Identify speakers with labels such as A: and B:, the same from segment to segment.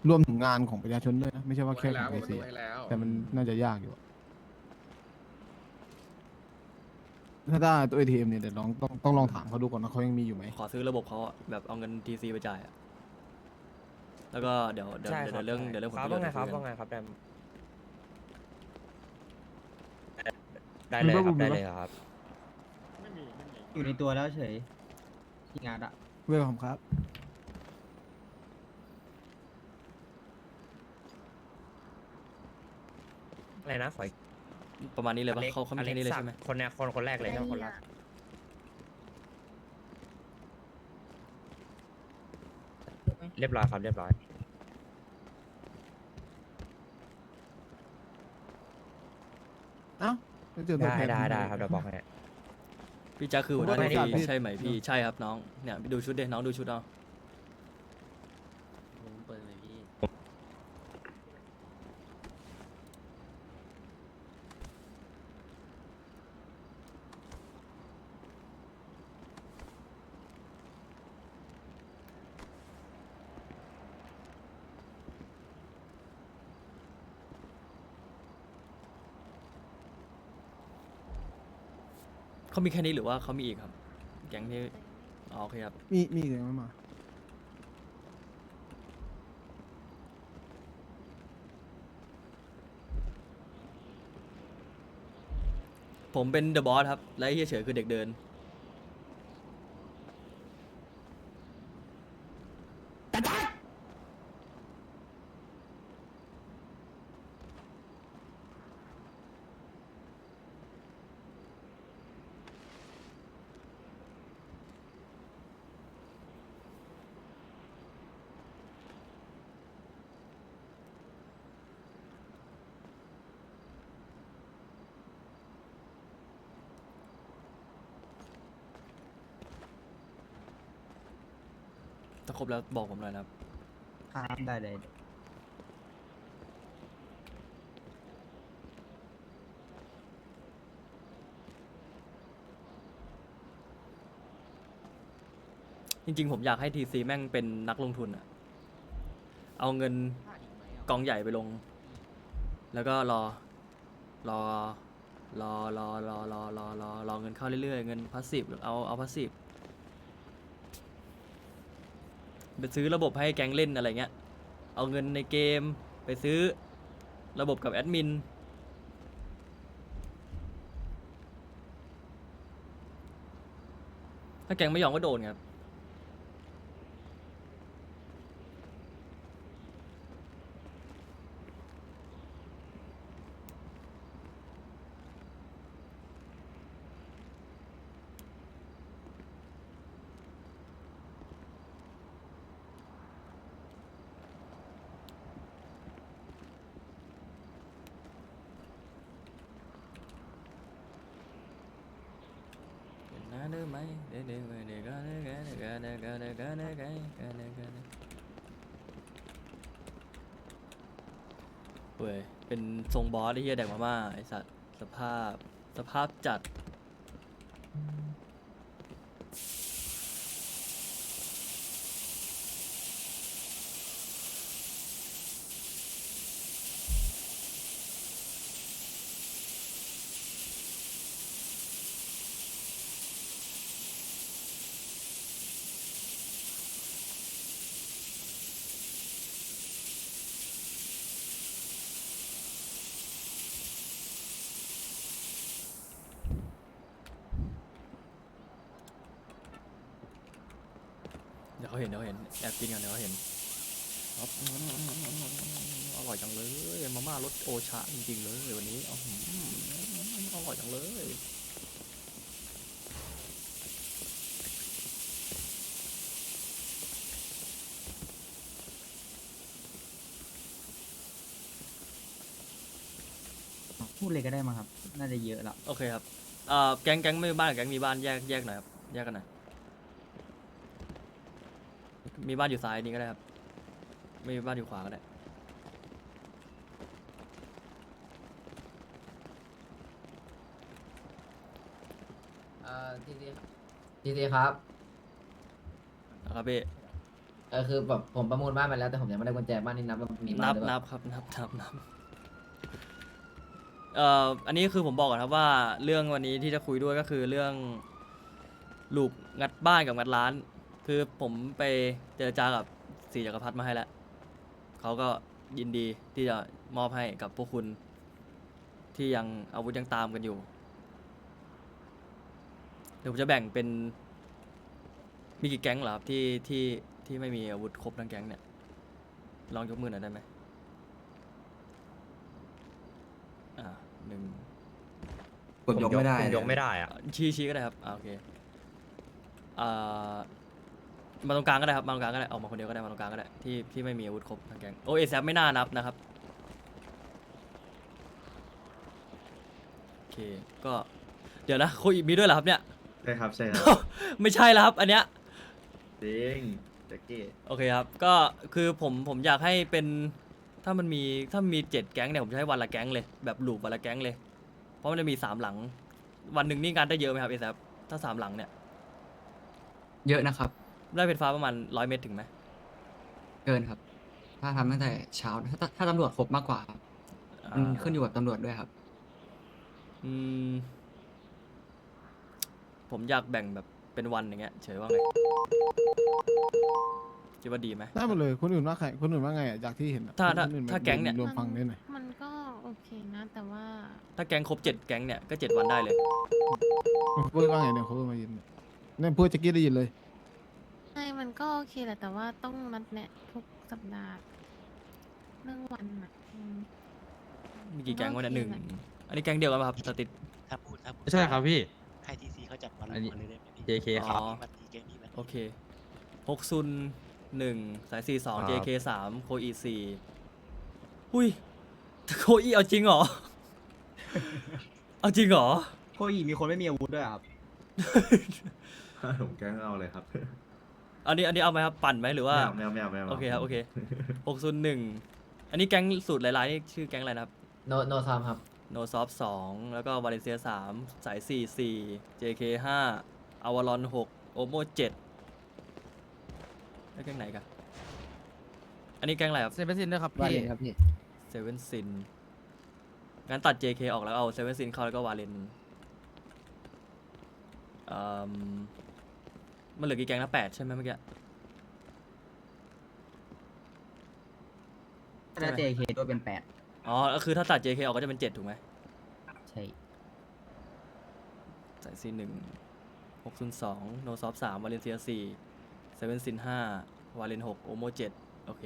A: รวมถึงงานของประชาชนด้วยนะไม่ใช่ว่าแค่
B: ให้แล้ว
A: ของไอซี
B: ผมดูให้แล้ว
A: แต่มันน่าจะยากอยู่อะถ้าได้ตัว ATM เนี่ยเดี๋ยวต้องลองถามเขาดูก่อนนะเขายังมีอยู่ไหม
C: ขอซื้อระบบเขาอะแบบเอาเงินทีซีไปจ่ายอะแล้วก็
D: ใช่ครับใช่
C: เดี๋ยวเรื่องผล
D: ครับ
C: ประโยชน์เดี๋ยวคุยกัน
D: ว่าไงครับแดมได้
A: มี
D: เลยครับได้
A: ปะบูมมีปะ
D: เลยครับ
E: อยู่ในตัวแล้วเฉยที่งานอะ
A: เวลคอมครับ
D: อะไรนะขออีก
C: ประมาณนี้เลยปะ
D: อล็ก
C: เขามีแค่นี้เลยใช่ไหม
D: คนเนี้ยคนแรกเลยใช่ไหมคนแรกเรียบร้อยครับเรียบร้อย
A: เอ้าจะเจอตัวแทน
D: ได้ครับเดี๋ยวบอกให้
C: พี่แจ๊คคือหัวหน้า
A: ผมว่า
C: ที
A: ไม่
C: ซี
A: ได้
C: ใช่ไหมพี่ใช่ครับน้องเนี่ยดูชุดเด็น้องดูชุดเอา
F: ผมเปิดเลยพี่
C: เขามีแค่นี้หรือว่าเขามีอีกครับแก๊งที่อ๋อโอเคครับ
A: มีอีกยังไม่มา
C: ผมเป็นเดอะบอสครับและไอ้เฮียเฉยคือเด็กเดินถ้าครบแล้วบอกผมหน่อยนะครับ
E: ครับได้เลย
C: จริงๆผมอยากให้ทีซีแม่งเป็นนักลงทุนอะเอาเงินกองใหญ่ไปลง แล้วก็รอรอเงินเข้าเรื่อยๆเงินพาสซีฟเอาพาสซีฟไปซื้อระบบให้แก๊งเล่นอะไรเงี้ยเอาเงินในเกมไปซื้อระบบกับแอดมินถ้าแก๊งไม่ยอมก็โดนครับนะเด้อไหมเด้อเว้ยเป็นทรงบอสไอ้เหี้ยแดกมาม่าไอ้สัตว์สภาพจัด เดี๋ยวเขาเห็นแอบกินกันเดี๋ยวเขาเห็นครับอร่อยจังเลยมาม่ารสโอชาจริงๆเลยวันนี้อร่อยจังเลย
E: พูดเลยก็ได้มั้งครับ น่าจะเยอะแล้ว
C: โอเคครับแก๊งไม่มีบ้านกับแก๊งมีบ้านแยกหน่อยครับแยกกันหน่อยมีบ้านอยู่ซ้ายนี้ก็ได้ครับไม่มีบ้านอยู่ขวาก็ได้
F: ทีทีครับ
C: นะครับพี่
B: คือแบบผมประมูลบ้านไปแล้วแต่ผมยังไม่ได้กุญแจบ้านนี่นับว่ามีบ้า
C: นั
B: น
C: บ
B: หรือเป
C: นั
B: ล่า
C: บครับนับอันนี้คือผมบอกก่อนครับว่าเรื่องวันนี้ที่จะคุยด้วยก็คือเรื่องลูกงัดบ้านกับงัดร้าน คือผมไปเจรจากับสีจักรพรรดิมาให้แล้วเขาก็ยินดีที่จะมอบให้กับพวกคุณที่ยังอาวุธยังตามกันอยู่เดี๋ยวผมจะแบ่งเป็นมีกี่แก๊งเหรอครับที่ไม่มีอาวุธครบทั้งแก๊งเนี่ยลองยกมือหน่อยได้ไหมหนึ่ง
F: กดยกไม่ได้
D: ผมยกไม่ได้อะ
C: ชี้ก็ได้ครับโอเคอ่ามาตรงกลางก็ได้ครับมาตรงกลางก็ได้ออกมาคนเดียวก็ได้มาตรงกลางก็ได้ที่ไม่มีอาวุธครบทั้งแก๊งโอเอซไม่น่านับนะครับโอเคก็เดี๋ยวนะโคอีมีด้วยเหรอครับเนี่ย
F: ใช่ครับใช่ครับ
C: ไม่ใช่แล้วครับอันเนี้ย
F: จริงแจ็คกี้
C: โอเคครับก็คือผมอยากให้เป็นถ้ามันมี7 แก๊งเนี่ยผมจะให้วันละแก๊งเลยแบบลูปวันละแก๊งเลยเพราะมันจะมี3 หลังวันหนึ่งนี่งานได้เยอะไหมครับเอซถ้า3 หลังเนี่ย
G: เยอะนะครับ
C: ได้ไฟฟ้าประมาณ100 เมตรถึงไหม
G: เกินครับ ถ้าทำตั้งแต่เช้าถ้าตำรวจครบมากกว่าครับมันขึ้นอยู่กับตำรวจด้วยครับ
C: อืมผมอยากแบ่งแบบเป็นวันอย่างเงี้ยเฉยว่าไงคิดว่าดีไหม
A: ได้หมดเลยคนอื่นว่าใครคนอื่นว่าไงอ่ะจากที่เห็นอะ
C: ถ้า
A: คนอื่น
C: ถ้าแก๊งเนี่ย
A: รวมฟังได้หน่อย
H: มันก็โอเคนะ แต่ว่า
C: ถ้าแก๊งครบ7 แก๊งเนี่ยก็7 วันได้เลย
A: พูดว่าไงเนี่ยเขาพูดมายินเนี่ยพูดแจ็คกี้ได้ยินเลย
H: ใช่มันก็โอเคแหละ แต่ว่าต้องนัดแนะทุกสัปดาห์เรื่องวันอ่ะ
C: มีกี่แก๊งวะเนี่ย
H: โอ
C: ห
H: เค
C: นึ่ง
H: แหละ
C: อันนี้แก๊งเดียวกันป่ะครับสติด
I: ถ้าพูด
E: ใช่ครับพี่
I: ให้ทีซีเขาจัดวัน
E: อันนี้
I: ละเลยได้ไหมพี่
E: JK ครับ
C: อ๋อ
I: วันนี้แกงนี้วันนี้
C: โอเค6 ซุน 1 สาย 42 JK 3 โคอี4หุ้ยโคอีเอาจริงเหรอ เอาจริงเหรอ
E: โคอีมีคนไม่มีอาวุธด้วยครับ
F: ผมแกล้งเอาเลยครับ
C: อันนี้เอาไหมครับปั่นไหมหรือว่า
F: ไม่เอา
C: โอเคครับโอเค601อันนี้แก๊งสูตรหลายๆนี่ชื่อแก๊งอะไรนะครับ
B: โนซามครับ
C: โนซอฟ2แล้วก็วาเลนเซีย3สาย44 JK 5อวารอน6โอโม7แล้วแก๊งไหนกันอันนี้แก๊งอะไรครับ
A: เซเว่นซินด้วยครับ
B: ว่า
A: พี่
B: เลยครับพี่
C: เซเว่นซินงั้นตัด JK ออกแล้วเอาเซเว่นซินเข้าแล้วก็วาเลนมันเหลือกี่แก๊งนะ8ใช่ไหมเมื่อกี้
E: ถ้า JK ด้วยเป็น
C: อ๋อก็คือถ้าตัด JK ออกก็จะเป็น7ถูกไหม
E: 8 ใช่
C: สายC1 602โนซอฟ3วาเลนเซีย4เซเว่นซิน5วาเลน6โอโม7โอเค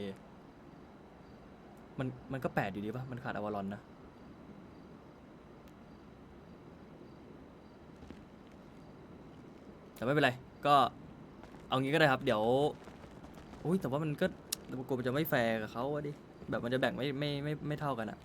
C: มันก็8อยู่ดีป่ะมันขาดอวารอนนะแต่ไม่เป็นไรก็เอางี้ก็ได้ครับเดี๋ยวอุ้ยแต่ว่ามันก็กลัวมันจะไม่แฟร์กับเขาอะดิแบบมันจะแบ่งไม่เท่ากันอะ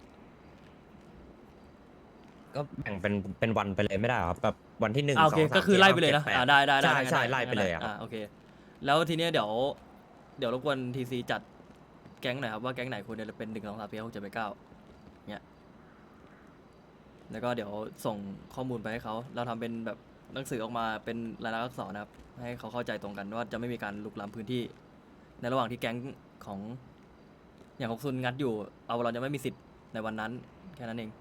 D: ก็แบ่งเป็นวันไปเลยไม่ได้เหรอครับแบบวันที่1
C: โอเค
D: 2 3
C: ก็คือไล่ไปเลยนะ
D: 7 8
C: ได้
D: ใช่ไล่ไปเลยอะครับ
C: โอเคแล้วทีเนี้ยเดี๋ยวรบกวนทีซีจัดแก๊งหน่อยครับว่าแก๊งไหนควรจะเป็น1 2 3 4 5 6 7 8 9เนี้ยแล้วก็เดี๋ยวส่งข้อมูลไปให้เขาเราทำเป็นแบบหนังสือออกมาเป็นลายลักษณ์อักษรนะครับให้เขาเข้าใจตรงกันว่าจะไม่มีการลุกล้ำพื้นที่ในระหว่างที่แก๊งของอย่างของซุนงัดอยู่เอาเราจะไม่มีสิทธิ์ในวันนั้นแค่นั้นเอง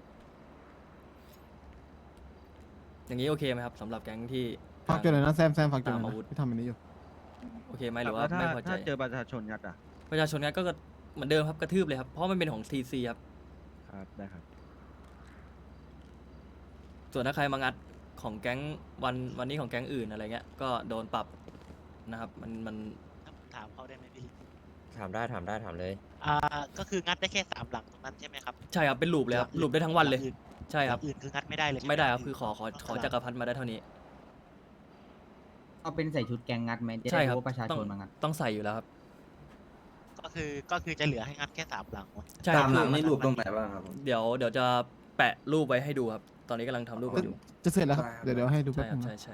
C: อย่างนี้โอเคไหมครับสำหรับแก๊งที่
A: ฝากจุดหน่อยนะแซมฝากจุดหน่อย
C: ตามอาวุธ
A: นะที่ทำอันนี้อยู่
C: โอเคไหมหรือว่าไม่พอใจ
E: ถ้าเจอประชาชนงัดอ่ะ
C: ประชาชนงั้นก็เหมือนเดิมครับกระทืบเลยครับเพราะมันเป็นของ TC ครับ
E: ครับ ได้ครับ
C: ส่วนถ้าใครมางัดของแก๊งวันนี้ของแก๊งอื่นอะไรเงี้ยก็โดนปรับนะครับมัน
I: ถ้าผมถามเขาได้ไหมพี่
D: ถามได้เลย
I: ก็คืองัดได้แค่3 หลังตรงนั้นใช่ไหมครับ
C: ใช่ครับเป็นลูปเลยครับลูปได้ทั้งวันเลย ใช่ครับ
I: หลังอื่นคืองัดไม่ได้เลยใช่ห
C: ไม่ได้ครับคือขอจักรพรรดิมาได้เท่านี้
E: เอาเป็นใส่ชุดแกงงัดไหมจะ
C: ใช่
E: ได้
C: ครับ
E: รู้ว่าประชา
C: ต้อ
E: ช
C: ง
E: นมางัด
C: ต้องใส่อยู่แล้วครับ
I: ก็คือจะเหลือให้งัดแค่3 หลังวะ
C: ใช่ครับ
F: ตามหลังนี่รูปตรงไหนบ้างครับผม
C: เดี๋ยวจะแปะรูปไว้ให้ดูครับ ตอนนี้กำลังทำรูปกันอยู่
A: จะเสร็จแล้วครับ
F: ได้ครับ
A: เดี๋ยวให้ดูแป๊
C: ใช่
A: บ
C: ครั
A: นึ
C: บ
A: ง
C: ใช่
A: นะ
C: ใช่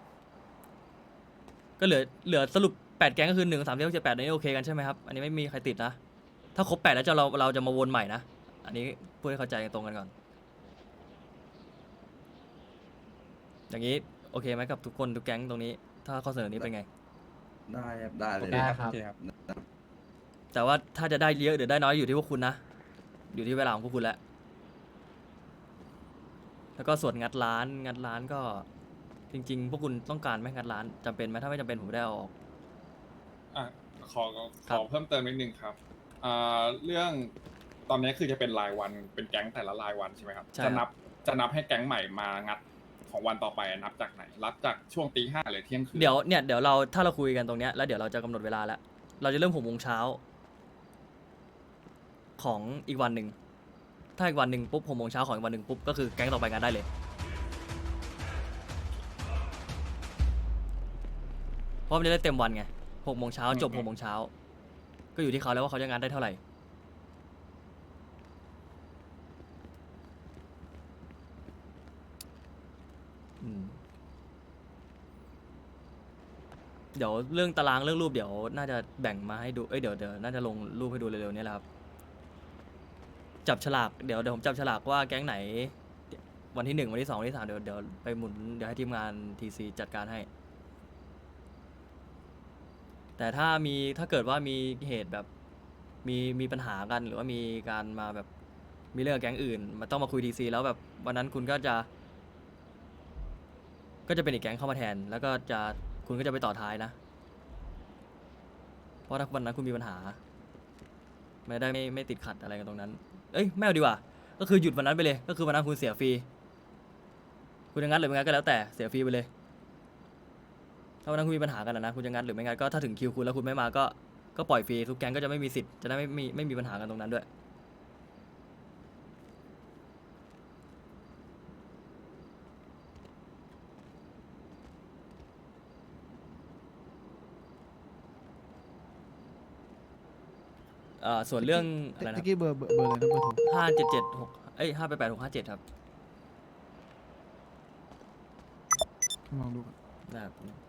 C: ก็เหลือสรุป8 แก๊งก็คือ1 3 4 6 7 8อันนี้โอเคกันใช่ไหมครับอันนี้ไม่มีใครติดนะถ้าครบ8แล้วเราจะมาวนใหม่นะอันนี้พูดให้เข้าใจกันตรงกันก่อนอย่างนี้โอเคไหมกับทุกคนทุกแก๊งตรงนี้ ถ้าข้อเสนอนี้เป็นไง
F: ได้ครับได้เลย
B: ได้ครับ
C: แต่ว่าถ้าจะได้เยอะหรือได้น้อยอยู่ที่พวกคุณนะ อยู่ที่เวลาของพวกคุณแหละแล้วก็ส่วนงัดร้านก็จริง ๆ พวกคุณต้องการไหมงัดร้านจำเป็นไหมถ้าไม่จำเป็นผมไม่ได้เอาออก
J: อ่ะขอ
C: ครั
J: ขอบ เพิ่มเติมนิดนึงครับเรื่องตอนนี้คือจะเป็นรายวันเป็นแก๊งแต่ละรายวันใช่ไหมครับ
C: ใช่
J: จะ
C: ค
J: นั
C: รับ
J: จะนับให้แก๊งใหม่มางัดของวันต่อไปนับจากไหนรับจากช่วงตี 5หรือเที่ยงคืน
C: เดี๋ยวเราถ้าเราคุยกันตรงเนี้ยแล้วเดี๋ยวเราจะกำหนดเวลาแล้ว เราจะเริ่ม6 โมงเช้าของอีกวันหนึ่งถ้าอีกวันหนึ่งปุ๊บ6 โมงเช้าของอีกวันหนึ่งปุ๊บก็คือแก๊งต่อไปงานได้เลยเพราะมันจะได้เต็มวันไง6 โมงเช้าจบ6 โมงเช้าก็อยู่ที่เขาแล้วว่าเขาจะงานได้เท่าไหร่อืมเดี๋ยวเรื่องตารางเรื่องรูปเดี๋ยวน่าจะแบ่งมาให้ดูเดี๋ยวน่าจะลงรูปให้ดูเร็วๆนี้แหละครับจับฉลากเดี๋ยวผมจับฉลากว่าแก๊งไหน วันที่ 1 วันที่ 2 วันที่ 3เดี๋ยวไปหมุนเดี๋ยวให้ทีมงานทีซีจัดการให้ แต่ถ้าเกิดว่ามีเหตุแบบมีปัญหากันหรือว่ามีการมาแบบมีเรื่องกับแก๊งอื่นมันต้องมาคุยทีซีแล้วแบบวันนั้นคุณก็จะเป็นอีกแก๊งเข้ามาแทน แล้วก็คุณก็จะไปต่อท้ายนะ เพราะถ้าวันนั้นคุณมีปัญหาไม่ได้ไม่ติดขัดอะไรกันตรงนั้นไม่เอาดีกว่าก็คือหยุดวันนั้นไปเลยก็คือวันนั้นคุณเสียฟรีคุณจะงัดหรือไม่งัดก็แล้วแต่เสียฟรีไปเลยถ้าวันนั้นคุณมีปัญหากันนะคุณจะงัดหรือไม่งัดก็ถ้าถึงคิวคุณแล้วคุณไม่มาก็ปล่อยฟรีทุกแก๊งก็จะไม่มีสิทธิ์จะได้ไม่มีปัญหากันตรงนั้นด้วยส่วนเรื่องอะไรนะ
A: ตะกี้เบอร์อะไรนะเบอร์โทร
C: 5 8 6 5 7ครับ
A: ลองดูก่อน
C: นะครับ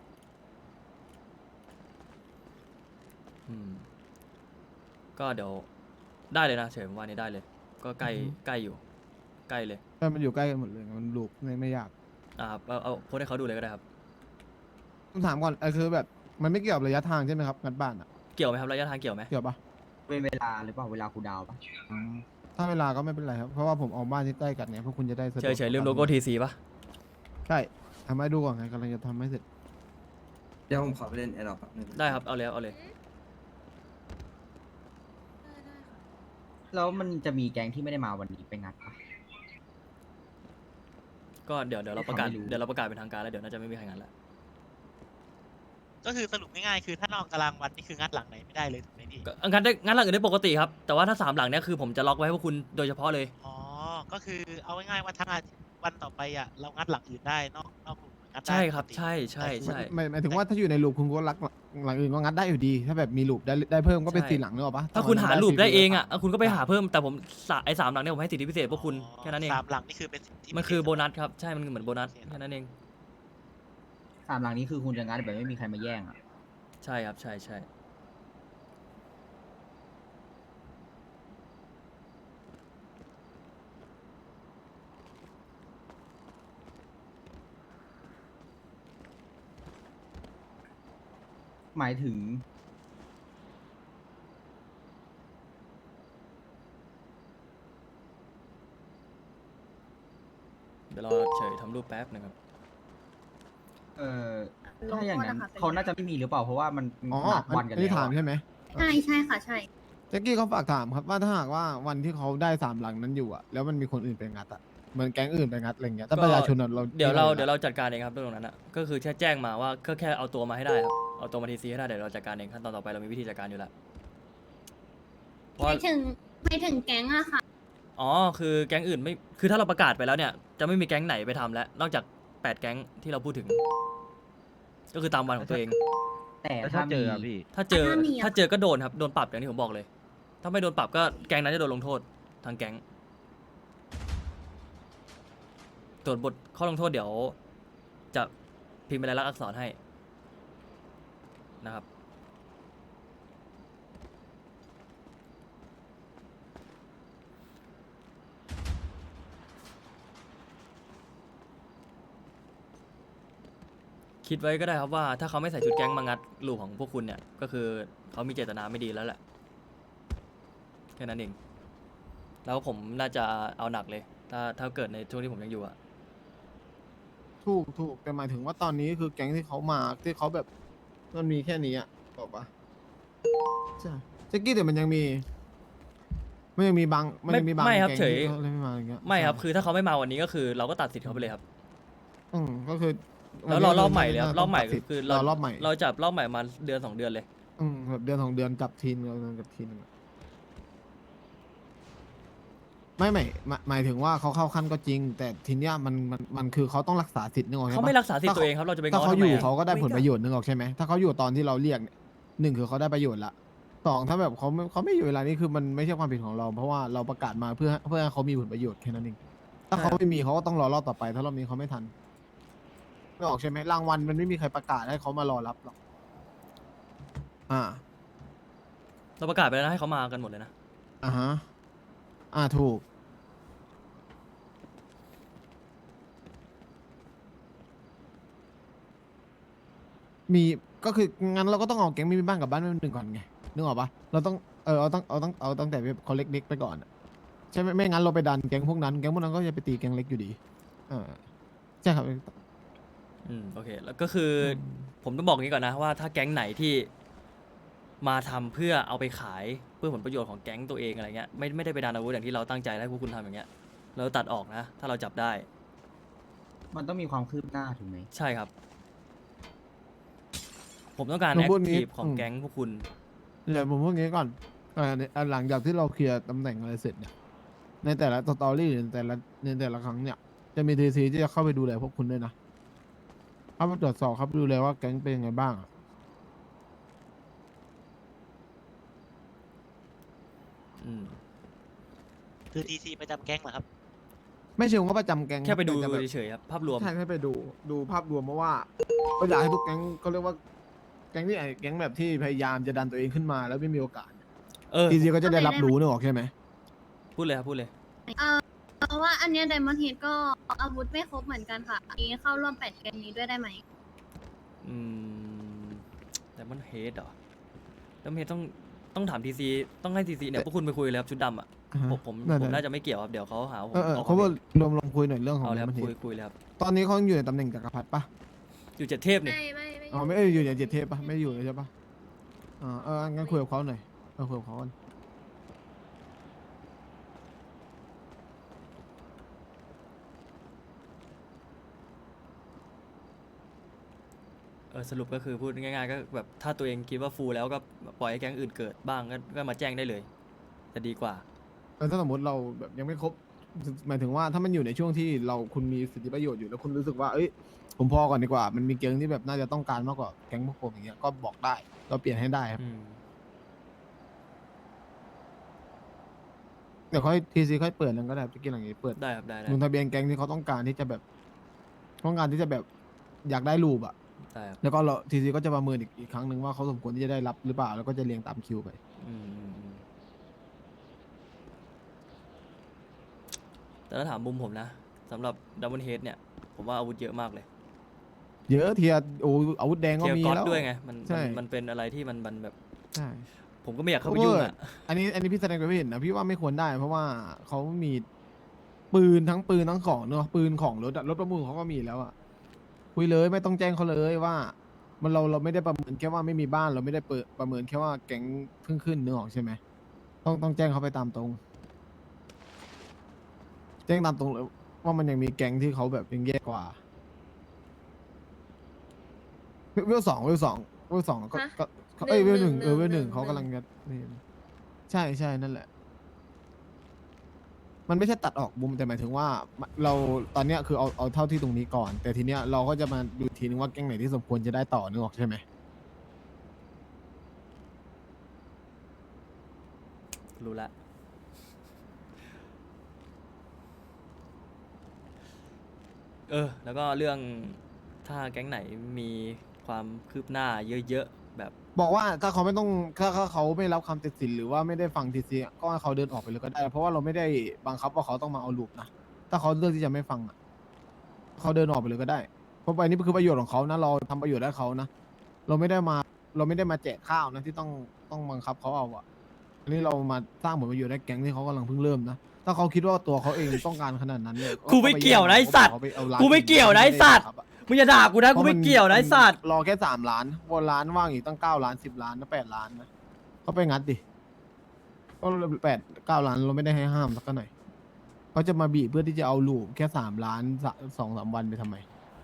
C: ก็เดี๋ยวได้เลยนะเฉยผมว่านี่ได้เลย ก็ใกล้อยู่ใกล้เลย
A: แต่มันอยู่ใกล้กันหมดเลยไงมันลูกไม่ยาก
C: ครับเอาโพสต์ให้เขาดูเลยก็ได้ครับ
A: ผมถามก่อนคือแบบมันไม่เกี่ยวกับระยะทางใช่ไหมครับงัดบ้านอ่ะ
C: เกี่ยวไหมครับระยะทางเกี่ยวไหม
A: เกี่ยวปะ
E: เป็นเวลาหรือเปล่าเวลาคูลดาวน์ปะ
A: ถ้าเวลาก็ไม่เป็นไรครับเพราะว่าผมเอาบ้านที่ใกล้กันเนี่ยพวกคุณจะได้สะดวก
C: เฉยลืมโลโก้ทีซีป่ะ
A: ใช่ทำให้ดูก่อนไงกำลังจะทำให้เสร็จ
F: เดี๋ยวผมขอไปเล่นแอร์ดรอปแป๊บนึง
C: ได้ครับเอาเลย
E: แล้วมันจะมีแก๊งที่ไม่ได้มาวันนี้ไปงัดปะ
C: ก็เดี๋ยวเราประกาศ
E: ไม่รู้
C: เดี๋ยวเราประกาศเป็นทางการแล้วเดี๋ยวน่าจะไม่มีใครงานแล้ว
I: ก็คือสรุปง่ายๆคือถ้านอกตารางวันนี่คืองัดหลังไหนไม่ได้เลยถูกไหมพี่
C: ก็งานหลังอื่นได้ปกติครับแต่ว่าถ้า3 หลังเนี้ยคือผมจะล็อกไว้ให้พวกคุณโดยเฉพาะเลย
I: อ๋อ ก็คือเอาง่ายๆว่าทั้งอาทิตย์วันต่อไปอ่ะเรางัดหลังอื่นได้นอกกลุ่มงัดได้
C: ใช่ครับ
I: ปกติ
C: ใช่
A: หมายถึงว่าถ้าอยู่ในลูปคุณก็รักหลังอื่นก็งัดได้อยู่ดี ถ้าแบบมีลูปได้เพิ่มก็เป็น
C: ใช่
A: 4 หลังเนกอะปะ
C: ถ้าคุณหารูปได้เองอ่ะ
A: ถ้า
C: คุณก็ไปหาเพิ่มแต่ผมไอ้3 หลังเนี้ยผมให้สิทธิพิเศษพวกคุณแค่นั้นเอง
I: 3 หลังนี่คือเป็นสิทธิ
C: มันคือ
I: พิเศษ
C: โบนัสครับใช่มันเหมือนโบนัสแค่นั้นเอง
E: 3 หลังนี้คือคุณจะงัดแบบไม่มีใครมาแย่งอ่ะ
C: ใช่ครับใช่
E: หมายถึง
C: เดี๋ยวรอเฉยทำรูปแป๊บนะครับ
E: ถ้าอย่างนั้นเขาน่าจะไม่มีหรือเปล่าเพราะว่ามัน
A: อ๋อ
E: นัดวันกัน
A: อันนี้
E: แล้ว
A: ถาม
E: อะ
A: ใช่ไหม
H: ใช่ค่ะใช่
A: แจ็คกี้เขาฝากถามครับว่าถ้าหากว่าวันที่เขาได้3 หลังนั้นอยู่อะแล้วมันมีคนอื่นไปงัดอะเหมือนแก๊งอื่นไปงัดอะไรเงี้ยถ้าประชาชนอะเรา
C: เดี๋ยวเราจัดการเองครับเรื่องตรงนั้นอ่ะก็คือแค่แจ้งมาว่าแค่เอาตัวมาให้ได้ครับเอาตัวมาทีซีให้ได้เดี๋ยวเราจัดการเองขั้นตอนต่อไปเรามีวิธีจัดการอยู่แล้วเพราะ
H: ไม่ถึงแก๊งอะค่ะ
C: อ๋อคือแก๊งอื่นไม่คือถ้าเราประกาศไปแล้วเนี่ยจะไม่มีแก๊งไหนไปทำแล้วนอกจาก8 แก๊งที่เราพูดถึง ก็คือตามวันของตัวเอง
E: แต่ถ้ามี
C: ถ้าเจอ
H: ถ้ามีอะ
C: ถ้าเจอก็โดนครับโดนปรับอย่างที่ผมบอกเลย ถ้าไม่โดนปรับก็แก๊งนั้นจะโดนลงโทษทางแก๊งส่วนบทข้อลงโทษเดี๋ยวจะพิมพ์เป็นลายลักษณ์อักษรให้นะครับคิดไว้ก็ได้ครับว่าถ้าเขาไม่ใส่ชุดแก๊งมางัดลูกของพวกคุณเนี่ย ก็คือเขามีเจตนาไม่ดีแล้วแหละแค่นั้นเองแล้วผมน่าจะเอาหนักเลย ถ้าเกิดในช่วงที่ผมยังอยู่อะ
A: ถูกแต่หมายถึงว่าตอนนี้คือแก๊งที่เขามาที่เขาแบบมันมีแค่นี้อ่ะบอกปะใช่แจ็คกี้แต่มันยังมีบางมันยังมีบาง
C: ไม่ครับ
A: แก๊ง
C: เฉย
A: ที่เขาเลยไม่มาอย่างเงี้ย
C: ไม่ครับ
A: ใช่
C: คือถ้าเขาไม่มาวันนี้ก็คือเราก็ตัดสิทธิ์เขาไปเลยครับ
A: ก็คือ
C: แล้วรอรอบใหม่เลยครับรอบใหม่
A: ตัดสิทธิ์
C: คือ
A: รอรอบใหม่
C: เราจับรอบใหม่มาเดือน 2 เดือนเลย
A: แบบเดือน2 เดือนจับทีนึงเราจับทีนึงอะไม่หมายถึงว่าเขาเข้าขั้นก็จริง แต่ทีเนี้ยมันคือเขาต้องรักษาสิทธิ์นึกออกใช่ปะ
C: เขาไม่รักษาสิทธิ์ตัวเองครับ เราจะไป
A: ถ้า
C: ง้อ
A: เขา
C: ทำ
A: อ
C: ไม
A: ยู่
C: อะ
A: เขาก็ได้ผลประโยชน์นึกออกใช่ไหมถ้าเขาอยู่ตอนที่เราเรียกเนี่ย1คือเขาได้ประโยชน์ละ2ถ้าแบบเขาไม่อยู่เวลานี้คือมันไม่ใช่ความผิดของเรา เพราะว่าเราประกาศมาเพื่อให้เขามีผลประโยชน์แค่นั้นเองถ้าเขาไม่มีเขาก็ต้องรอรอบต่อไป ถ้ารอบนี้เขาไม่ทันนึกออกใช่ไหมรางวัลมันไม่มีใครประกาศให้เขามารอรับหรอก
C: เราประกาศไปแล้วนะให้เขามากันหมดเลยนะ
A: ฮะถูกมีก็คืองั้นเราก็ต้องเอาแก๊งไม่มีบ้านกับบ้านไม่มีหนึ่งก่อนไงนึกออกปะเราต้องเอาตั้งแต่เขาเล็กๆไปก่อนอะใช่ไหมไม่งั้นเราไปดันแก๊งพวกนั้นก็จะไปตีแก๊งเล็กอยู่ดีใช่ครับ
C: โอเค แล้วก็คือผมต้องบอกอย่างนี้ก่อนนะว่าถ้าแก๊งไหนที่มาทำเพื่อเอาไปขายเพื่อผลประโยชน์ของแก๊งตัวเองอะไรเงี้ยไม่ได้ไปดันอาวุธอย่างที่เราตั้งใจให้พวกคุณทำอย่างเงี้ยเราตัดออกนะ ถ้าเราจับได้
E: มันต้องมีความคืบหน้าถูกไหม
C: ใช่ครับ ผมต้องการ
A: ผม
C: แอค
A: พูดงี้
C: ทีฟของแก๊งพวกคุณ
A: เดี๋ยวผมพูดงี้ก่อนหลังจากที่เราเคลียร์ตำแหน่งอะไรเสร็จเนี่ยในแต่ละสตอรี่ในแต่ละครั้งเนี่ยจะมีทีซีที่จะเข้าไปดูแลพวกคุณด้วยนะเข้าไปตรวจสอบครับดูแลว่าแก๊งเป็นยังไงบ้างอะ
I: คือทีซีประจำแก๊งเหรอครับ
A: ไม่เชิงว่าประจำแก๊ง
C: แค่ไปดู
A: ต่จะแบบ
C: เฉยๆครับภาพรวม
A: ใช่แค่ไปดูภาพรวมเพราะว่าก็อยากให้ทุกแก๊งเขาเรียกว่าแก๊งที่แก๊งแบบที่พยายามจะดันตัวเองขึ้นมาแล้วไม่มีโอกาส ทีซีก็จะได้รับรู้นึกออกใช่ไหม
C: พูดเลยครับพูดเลย
H: เพราะว่าอันเนี้ไดมอนด์เฮดก็อาวุธไม่ครบเหมือนกันค่ะอันนี้เข้าร่วม8 เกมนี้ด้วยได้ไหม
C: แต่มันเฮดเหรอแล้วเฮดต้องถามทีซีต้องให้ทีซีเนี่ยพวกคุณไปคุยเลยครับชุดดำอ่ะผมน่าจะไม่เกี่ยวครับเดี๋ยวเขาหาว่าผมออก
A: เขา
C: ควา
A: ว่าม
C: เห็น
A: ลองคุยหน่อยเรื่องของ
C: เอาเลยครับ
A: มัน
C: คุยเลยครับ
A: ตอนนี้เขาอยู่ในตำแหน่งจักรพรรดิปะ
C: อยู่7 เทพนี่
A: อ๋อไม่อยู่ใน7 เทพปะไม่อยู่เลยใช่ปะงั้นคุยกับเขาหน่อยคุยกับเขากัน
C: สรุปก็คือพูดง่ายๆก็แบบถ้าตัวเองคิดว่าฟูลแล้วก็ปล่อยให้แก๊งอื่นเกิดบ้างก็มาแจ้งได้เลยจะดีกว่า
A: ถ้าสมมติเราแบบยังไม่ครบหมายถึงว่าถ้ามันอยู่ในช่วงที่คุณมีสิทธิประโยชน์อยู่แล้วคุณรู้สึกว่าผมพอก่อนดีกว่ามันมีแก๊งที่แบบน่าจะต้องการมากกว่าแก๊งพวกผมอย่างเงี้ยก็บอกได้เราเปลี่ยนให้ได้ครับเดี๋ยวค่อยทีซีค่อยเปิดนั่นก็ได้ไปกินหลังนี้เปิด
C: ได้ครับได้
A: ลงทะเบียนแก๊งที่เขาต้องการที่จะแบบอยากได้รูปอะ
C: ได้ครับ
A: แล้วก็เราทีซีก็จะประเมินอีกครั้งหนึ่งว่าเขาสมควรที่จะได้รับหรือเปล่าแล้วก็จะเรียงตามคิวไป
C: แต่ถ้าถามมุมผมนะสำหรับดับเบิลเฮดเนี่ยผมว่าอาวุธเยอะมากเลย
A: เยอะเทียอาวุธแดงก็
C: เทีย
A: มี
C: ร์ก๊อต
A: แล้ว
C: ด้วยไงมัน
A: ใช่
C: มันเป็นอะไรที่มันแบบ
A: ใช่
C: ผมก็ไม่อยากเข้าไปยุ่งอ่ะ
A: อันนี้พี่แสดงความเห็นนะพี่ว่าไม่ควรได้ เพราะว่าเขามีปืนทั้งของเนอะปืนของรถประมูลเขาก็มีแล้วอะคุยเลยไม่ต้องแจ้งเขาเลยว่ามันเราไม่ได้ประเมินแค่ว่าไม่มีบ้านเราไม่ได้ประเมินแค่ว่าแก๊งเพิ่งขึ้นนึกออกใช่ไหมต้องแจ้งเขาไปตามตรง แจ้งตามตรงเลยว่ามันยังมีแก๊งที่เขาแบบยังแย่กว่าเวลสองก็เวล 1เวล 1เขากำลังจะนี่ใช่นั่นแหละ มันไม่ใช่ตัดออกมุมแต่หมายถึงว่าเราตอนเนี้ยคือเอาเท่าที่ตรงนี้ก่อน แต่ทีเนี้ยเราก็จะมาดูทีนึงว่าแก๊งไหนที่สมควรจะได้ต่อนึกออกใช่ไหม
C: รู้ละแล้วก็เรื่องถ้าแก๊งไหนมีความคืบหน้าเยอะๆแบบ
A: บอกว่าถ้าเขาไม่ต้องถ้าเขาไม่รับคำตัดสินหรือว่าไม่ได้ฟังทีซีก็ให้เขาเดินออกไปเลยก็ได้ เพราะว่าเราไม่ได้บังคับว่าเขาต้องมาเอาลูกนะถ้าเขาเลือกที่จะไม่ฟังอ่ะเขาเดินออกไปเลยก็ได้เพราะไปนี่คือประโยชน์ของเขานะเราทำประโยชน์ให้เขานะเราไม่ได้มาแจกข้าวนะที่ต้องบังคับเขาเอาอะอันนี้เรามาสร้างผลประโยชน์ให้แก๊งที่เขากำลังเพิ่งเริ่มนะถ้าเขาคิดว่าตัวเขาเองต้องการขนาดนั้นเนี่ย
C: กูไม่เกี่ยวนะไอ้สัตว์
A: เขาไปเอาร้าน
C: กูไม่เกี่ยวนะไอ้สัตว์ มึงอย่าด่ากูนะกูไม่เกี่ยวนะไอ้สัตว์
A: รอแค่3 ล้านวนล้านว่างอีกตั้ง9 ล้าน10 ล้านนะ8 ล้านนะเขาไปงัดดิก็8-9 ล้านเราไม่ได้ให้ห้ามสักหน่อยเขาจะมาบีบเพื่อที่จะเอาลูปแค่3 ล้าน2-3 วันไปทำไม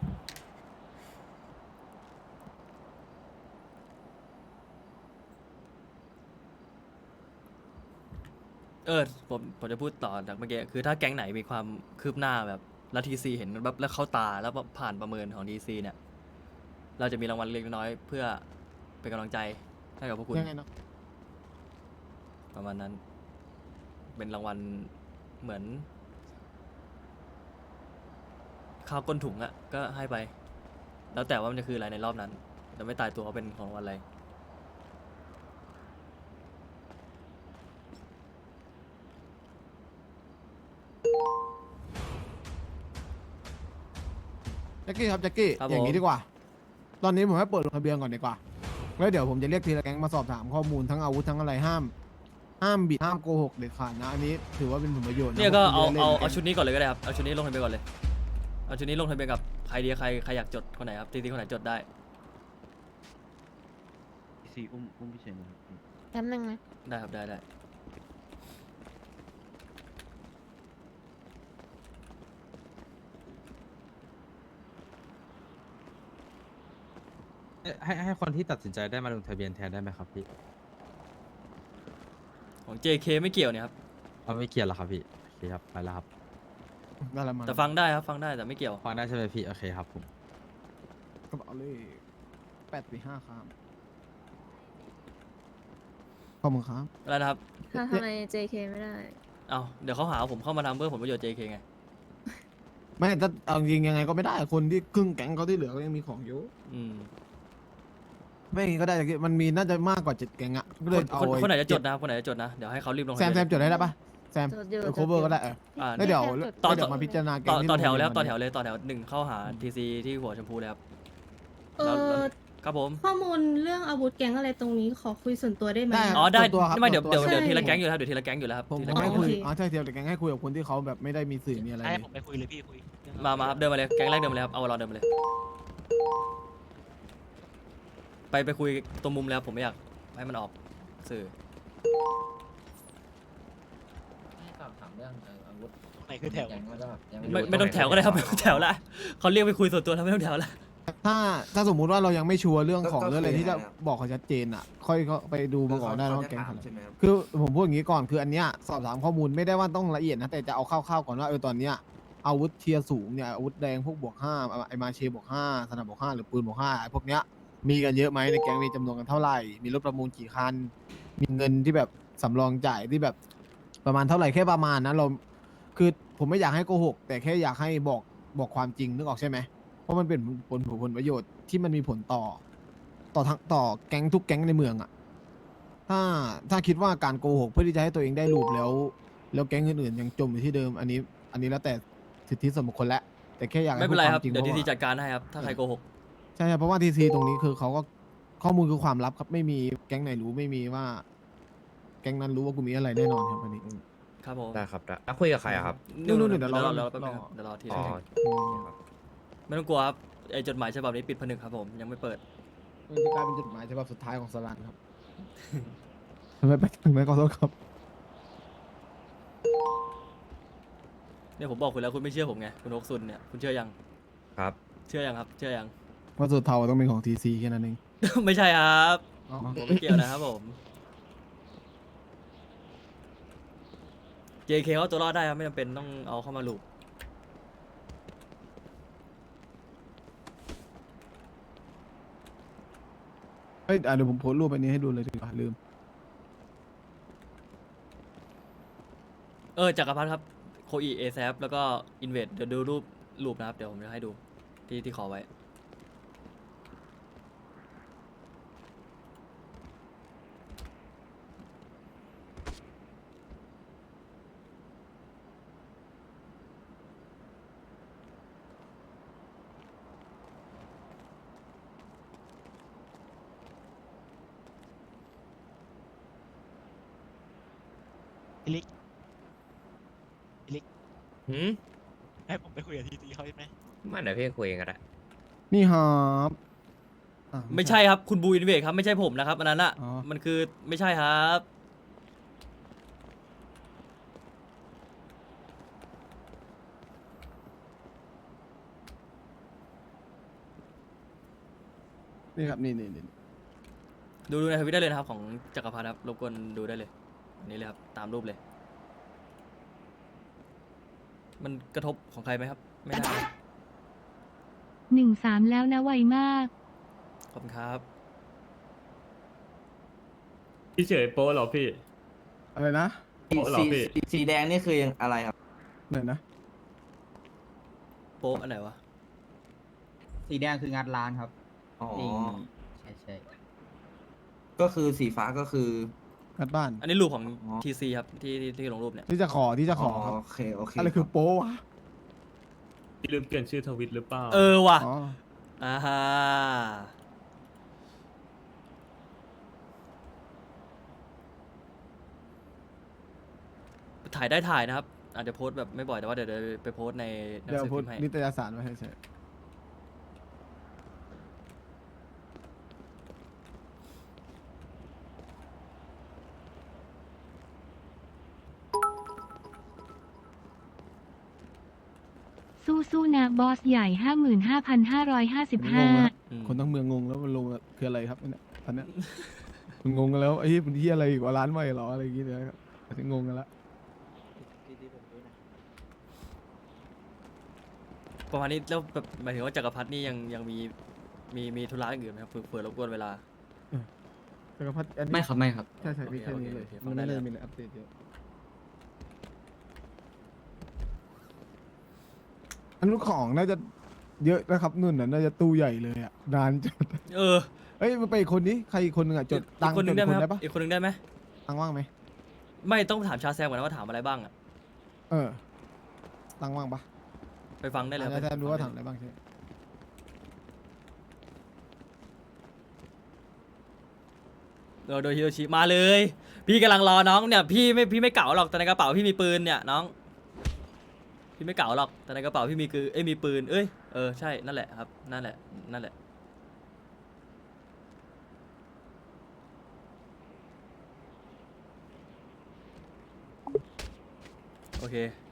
C: ผมจะพูดต่อจากเมื่อกี้คือถ้าแก๊งไหนมีความคืบหน้าแบบแล้วทีซีเห็นแบบแล้วเข้าตาแล้วผ่านประเมินของทีซีเนี่ย เราจะมีรางวัลเล็กน้อยเพื่อเป็นกำลังใจให้กับพวกคุณ
A: ยังไงเนาะ
C: ประมาณนั้น เป็นรางวัลเหมือนข้าวก้นถุงอะก็ให้ไป แล้วแต่ว่ามันจะคืออะไรในรอบนั้นจะไม่ตายตัวว่าเป็นของรางวัลอะไร
A: แจ็คกี้ครับแจ็คกี้
C: ครับ
A: อย่าง
C: ผม
A: นี้ดีกว่า ตอนนี้ผมให้เปิดลงทะเบียนก่อนดีกว่าแล้วเดี๋ยวผมจะเรียกทีละแก๊งมาสอบถามข้อมูลทั้งอาวุธทั้งอะไรห้ามบิดห้ามโกหกเด็ดขาดนะอันนี้ถือว่าเป็นผลประโยชน์ะ
C: เนี่ยก็เอา
A: พระคุณจะได้
C: เอา
A: ล่น
C: เอาชุดนี้ก่อนเลยก็ได้ครับเอาชุดนี้ลงทะเบียนก่อนเลยเอาชุดนี้ลงทะเบียนกับใครดีใครอยากจดคนไหนครับทีคนไหนจดได้
E: ซีอุ้มพี่เฉยนะครับ
H: แป๊บนึงนะ
C: ได้ครับได้
E: ให้คนที่ตัดสินใจได้มาลงทะเบียนแทนได้ไหมครับพี่
C: ของ JK ไม่เกี่ยวเนี่ยครับ
E: เอาไม่เกี่ยวหรอครับพี่โอเคครับไปแล้วครับ
A: นั่นแหละมัน
C: แต่ฟังได้ครับฟังได้แต่ไม่เกี่ยว
E: ฟังได้ใช่ไหมพี่โอเคครับผม
A: กระเป๋าเลข8-5ครับขอบคุณครับ
C: อะไรนะครับ
H: ถ้าทำไม JK ไม่ได้
C: เอาเดี๋ยวเขาหาว่าผมเข้ามาทำเพื่อผลประโยชน์ JK ไง
A: ไม่ถ้าเอาจริงยังไงก็ไม่ได้คนที่ครึ่งแก๊งเขาที่เหลือก็ยังมีของอยู่
C: อืม
A: ไม่อย่างงี้ก็ได้มันมีน่าจะมากกว่า7 แก๊งอะก็เลยเอา
C: คนไหนจะจดนะครับคนไหนจะจดนะเดี๋ยวให้เขารีบลงทะ
A: แซ
C: เบียน
A: มจดได้ปะแซม
H: จดอยู่
A: โคเวอร์ก็ได้เออ
C: อ่า
A: แล้วเดี๋ยว
C: ต่อ
A: เดี๋ยวมาพิจารณาแก๊
C: ต่
A: งที่
C: อแถว
A: ลง
C: แล้ว
A: ทะ
C: ต่อ
A: เบี
C: แถ
A: ยน
C: วเลยต่อแถว1เข้าหา TC ที่หัวชมพูเลยครับ
K: เอ
C: แล้ว
K: อ
C: ครับผม
K: ข้อมูลเรื่องอาวุธแก๊งอะไรตรงนี้ขอคุยส่วนตัวได้ไหม
A: ได้
C: อ๋อได้
A: ส่วนตัวครับ
C: ไม่เดี๋ยว
A: ส่วนตัว
C: เดี๋ยว
K: ใช่
C: ทีละแก๊งอยู่แล้วครับเดี๋ยวทีละแก๊งอยู่แล้วครับ
A: ผม
C: ที
A: ผ
C: ละ
A: ม
C: แก๊
A: ให้
C: ง
A: คุย
K: โอเค
A: อ๋อใช่เทียบแต่แก๊งให้คุยกับคนที่เขาแบบไม่ได้มีสื่อมีอะไร
I: ให้
A: เลย
I: ผมไปคุยเลยพี่คุยเรื่อง
C: มาครับเดินมาเลยแก๊งแรกเดินมาเลยครับเอาเราเดินมาเลย ไปคุยตรงมุมแล้วผมไม่อยากให้มันออกสื่อ
B: ให้สอบถามเรื่องอาวุธ
I: ตรงไหนคือแถว
B: แก๊งแล้วก็แบบยัง
C: ไม่ต้องแถวก็ได้ครับไม่ต้องแถวละเขาเรียกไปคุยส่วนตัวแล้วไม่ต้องแถวละ
A: ถ้าสมมุติว่าเรายังไม่ชัวร์เรื่องของ
F: ก็
A: เรื่องอะไร
F: คือ
A: ที่จะ
F: ยังไงครับ
A: บอกเขาชัดเจนอ่ะ ค่อยก็ไปดูมาก่อนได้
F: เขา
A: ว่า
F: จะ
A: แก๊ง
F: ถาม
A: อะไร
F: ใช่ไหมครับ
A: คือผมพูดอย่างนี้ก่อนคืออันเนี้ยสอบถามข้อมูลไม่ได้ว่าต้องละเอียดนะแต่จะเอาคร่าวๆก่อนว่าตอนเนี้ยอาวุธเทียร์สูงเนี่ยอาวุธแดงพวกบวก 5ไอมาเชบวก 5สนับบวก 5หรือปืนบวก 5ไอพวกเนี้ยมีกันเยอะไหมในแก๊งมีจำนวนกันเท่าไหร่ มีรถประมูลกี่คัน มีเงินที่แบบสำรองจ่ายที่แบบประมาณเท่าไหร่แค่ประมาณนั้นเราคือผมไม่อยากให้โกหกแต่แค่อยากให้บอกความจริงนึกออกใช่ไหมเพราะมันเป็นผลประโยชน์ที่มันมีผลต่อแก๊งทุกแก๊งในเมืองอะถ้าคิดว่าการโกหกเพื่อที่จะให้ตัวเองได้รูปแล้วแก๊งอื่นๆยังจมอยู่ที่เดิมอันนี้แล้วแต่สิทธิส่วนบุคคลแล้วแต่แค่อยากให้
C: ไม่เป็นไรครับ
A: พูดวามจริง
C: เดี๋ยวที
A: พาะ
C: ซี
A: ว่า
C: จัดการให้ครับถ้าใครโกหก
A: ใช่ครับเพราะว่าทีซีตรงนี้คือเขาก็ข้อมูลคือความลับครับไม่มีแก๊งไหนรู้ไม่มีว่า แก๊งนั้นรู้ว่ากูมีอะไรแน่นอนครับอันนี้
C: ครับผม
D: ได้ครับได้แล้วคุยกับใครอะครับ
A: นู่นๆเดี๋ยวรอ
C: แป๊บนึงครับเดี๋ยวรอที
D: อ๋อ
C: ละไม่ต้องกลัวครับไอจดหมายฉบับนี้ปิดผนึกครับผมยังไม่เปิด
A: มันจะกลายเป็นจดหมายฉบับสุดท้ายของสลันครับ ทำไมไปถึงไหมขอโทษครับ
C: เนี่ยผมบอกคุณแล้วคุณไม่เชื่อผมไงคุณฮกซุนเนี่ยคุณเชื่อยัง
D: ครับ
C: เชื่อยังครับ เชื่อยัง
A: ว่าสุดเทาต้องเป็นของทีซีแค่นั้นเอง
C: ไม่ใช่ครับ
A: อ๋อ
C: ผมไม่เกี่ยวนะครับผม JK เขาตัวรอดได้ครับไม่จำเป็นต้องเอาเข้ามาลูก
A: เฮ้ยเดี๋ยวผมโพสต์รูปอันนี้ให้ดูเลยดีกว่าลืม
C: จักรพัฒน์ครับโคอีเอแซฟแล้วก็อินเวดเดี๋ยวดูรูปนะครับ เดี๋ยวผมจะให้ดูที่ขอไว้
I: ลิก
D: หืม
I: ให้ผมไปคุยกับทีซีเขาใช่ไหม
D: ไม่เดี๋ยวพี่คุยกันก็ได้
A: นี่ครับอ่ะ
C: ไม่ใช่ครับคุณบูอินเวดครับไม่ใช่ผมนะครับอันนั้นอ่ะ
A: อ๋อ
C: มันคือไม่ใช่ครับ
A: นี่ครับนี่
C: ดูในทวิตได้เลยนะครับของจักรพันธ์ครับรบกวนดูได้เลยอันนี้เลยครับตามรูปเลย มันกระทบของใครไหมครับ ไม่ได้นะ
K: 13 แล้วนะไวมาก
C: ขอบคุณครับ
L: พี่เฉยโป้เหรอพี่
A: อะไรนะ
L: โป๊ะเหรอพี่
F: สีแดงนี่คือยังอะไรครับ
A: ไหนนะ
C: โป๊ะอันไหนวะ
E: สีแดงคืองานร้านครับ
F: อ๋อ
E: นี่ใช่
F: ก็คือสีฟ้าก็คือ
A: งัดบ้าน
C: อันนี้รูปของ
F: อ๋อ
C: ทีซีครับที่ลงรูปเนี่ย
A: ที่จะขอครับ
F: โอเคโอเค
A: อะไรคือโป๊วะ
L: พี่ลืมเปลี่ยนชื่อทวิตหรือเปล่า
C: เออว่ะ
A: อ๋อ
C: อ่าฮะถ่ายได้ถ่ายนะครับ อาจจะโพสต์แบบไม่บ่อยแต่ว่าเดี๋ยวไปโพสต์ในหนัง
A: เดี๋ยว
C: สือ
A: พู
C: พิ
A: ด
C: มพ์ให้
A: นิตยสารไว้ให้เฉย
K: สู้ๆนะบอสใหญ่
A: งงแล้ว
K: 55,555
A: คนทั้งเมืองงงแล้วมันลงคืออะไรครับเนี่ยตอนเนี้ย มันงงกันแล้วไอ้มันที่อะไรอีกว่าร้านใหม่เหรออะไรอย่างเงี้ยนะครับอันนี้งงกันละ
C: ประมาณนี้แล้วแบบหมายถึงว่าจักรพรรดินี่ยังมีธุระอย่างอื่นไหมครับเผื่อรบกวนเวลา
A: จักรพรรดิอันนี้
G: ไม่ครับไม่ครับ
A: ใช่มีแค่นี้เลย
C: โอเค
A: มันไม่
C: ฟังได้
A: ได้
C: เลย
A: มีอะไรอัปเดตเยอะอันนู้นของน่าจะเยอะนะครับนุ่นน่ะน่าจะตู้ใหญ่เลยอ่ะนานจัด
C: เออ
A: เอ้ยมันไปอีกคนนี้ใครอีกคนหนึงอ่ะจดตั
C: อี
A: ง
C: ก
A: ค์
C: คนหนึง
A: จ
C: ได้
A: ด
C: ไหม
A: คน
C: ค
A: ได้
C: รับ
A: ปะ
C: อีกคนหนึงได้ไหม
A: ตังค์ว่างไหม
C: ไม่ต้องถามชาแซมก่อนนะว่าถามอะไรบ้างอะ
A: เออตังค์ว่างปะ
C: ไปฟังได้เลยครับ
A: อาจจะรู้ว่า
C: ไป
A: ถา
C: ฟั
A: ม
C: ง
A: อะไรบ้างใช่ไหม
C: โดยฮิโรชิมาเลย พี่กำลังรอน้องเนี่ยพี่ไม่เก่าหรอกแต่ในกระเป๋าพี่มีปืนเนี่ยน้องพี่ไม่เก่าหรอกแต่ในกระเป๋าพี่มีมีปืนเอ้ยเออใช่นั่นแหละครับนั่นแหละโอเค